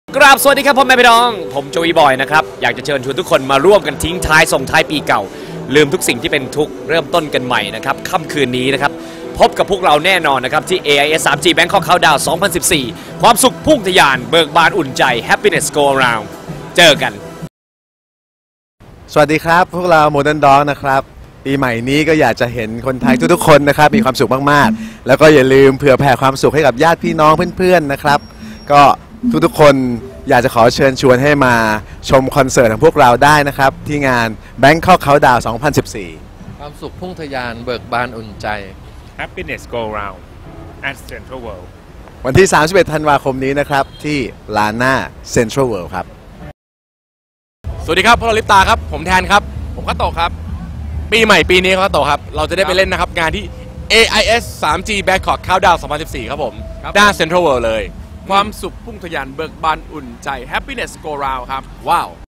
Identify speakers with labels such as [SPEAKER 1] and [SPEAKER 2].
[SPEAKER 1] กราบสวัสดีครับพ่อแม่พี่น้องผมโจวีบอยนะครับอยากจะเชิญชวนทุกคนมาร่วมกันทิ้งท้ายส่งท้ายปีเก่าลืมทุกสิ่งที่เป็นทุกข์เริ่มต้นกันใหม่นะครับค่ำคืนนี้นะครับพบกับพวกเราแน่นอนนะครับที่ AIS 3G Bangkok Countdown 2014 ความสุขพุ่งทะยานเบิกบานอุ่นใจ Happiness Go Around เจอกัน
[SPEAKER 2] สวัสดีครับพวกเราโมเดิร์นด็อกนะครับปีใหม่นี้ก็อยากจะเห็นคนไทยทุกๆคนนะครับมีความสุขมากๆแล้วก็อย่าลืมเผื่อแผ่ความสุขให้กับญาติพี่น้องเพื่อนๆนะครับก็ทุกๆคนอยากจะขอเชิญชวนให้มาชมคอนเสิร์ตของพวกเราได้นะครับที่งาน Bangkok Countdown 2014
[SPEAKER 3] ความสุขพุ่งทะยานเบิกบานอุ่นใจ
[SPEAKER 4] Happiness Go Round at Central World
[SPEAKER 2] วันที่ 31 ธันวาคมนี้นะครับที่ลานหน้า Central World ครับ
[SPEAKER 5] สวัสดีครับพวกเราลิปตาครับผมแทนครับผมก็โตครับปีใหม่ปีนี้ก็โตครับเราจะได้ไปเล่นนะครับงานที่ AIS 3G Bangkok Countdown 2014 ครับผมด้าน Central World เลย
[SPEAKER 3] ความสุขพุ่งทะยานเบิกบานอุ่นใจ Happiness Go Round ครับว้าว